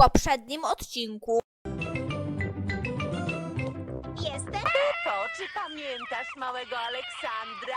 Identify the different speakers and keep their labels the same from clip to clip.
Speaker 1: poprzednim odcinku.
Speaker 2: Jestem?
Speaker 3: Pepo, czy pamiętasz małego Aleksandra?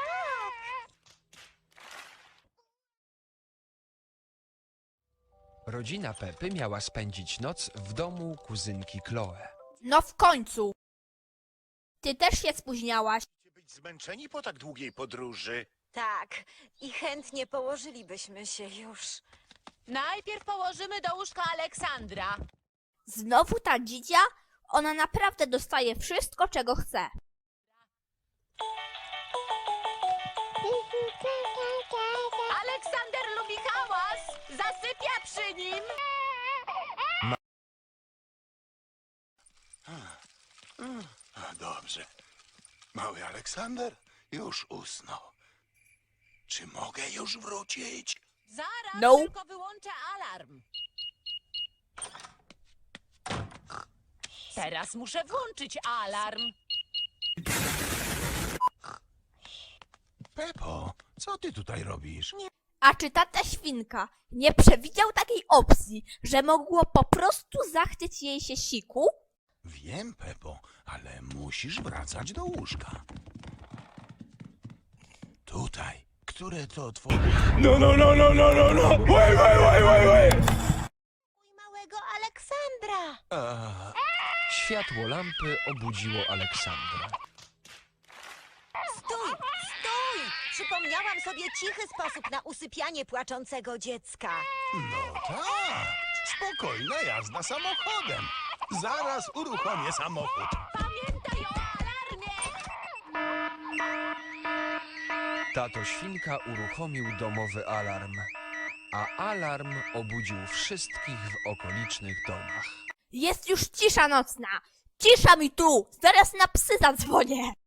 Speaker 4: Rodzina Pepy miała spędzić noc w domu kuzynki Chloe.
Speaker 1: No w końcu. Ty też się spóźniałaś.
Speaker 5: Być zmęczeni po tak długiej podróży.
Speaker 2: Tak. I chętnie położylibyśmy się już.
Speaker 3: Najpierw położymy do łóżka Aleksandra.
Speaker 1: Znowu ta dzidzia? Ona naprawdę dostaje wszystko, czego chce.
Speaker 3: Aleksander lubi hałas. Zasypia przy nim.
Speaker 5: Dobrze. Mały Aleksander już usnął. Czy mogę już wrócić?
Speaker 3: Zaraz,
Speaker 1: No.
Speaker 3: tylko wyłączę alarm. Teraz muszę włączyć alarm.
Speaker 5: Pepo, co ty tutaj robisz?
Speaker 1: A czy tata świnka nie przewidział takiej opcji, że mogło po prostu zachcieć jej się siku?
Speaker 5: Wiem, Pepo, ale musisz wracać do łóżka. Tutaj. Które to twoje...
Speaker 2: Mój małego Aleksandra.
Speaker 4: Światło lampy obudziło Aleksandra.
Speaker 2: Stój, stój! Przypomniałam sobie cichy sposób na usypianie płaczącego dziecka.
Speaker 5: No tak. Spokojna jazda samochodem. Zaraz uruchomię samochód.
Speaker 3: Pamiętaj o alarmie.
Speaker 4: Tato świnka uruchomił domowy alarm, a alarm obudził wszystkich w okolicznych domach.
Speaker 1: Jest już cisza nocna. Cisza mi tu. Zaraz na psy zadzwonię.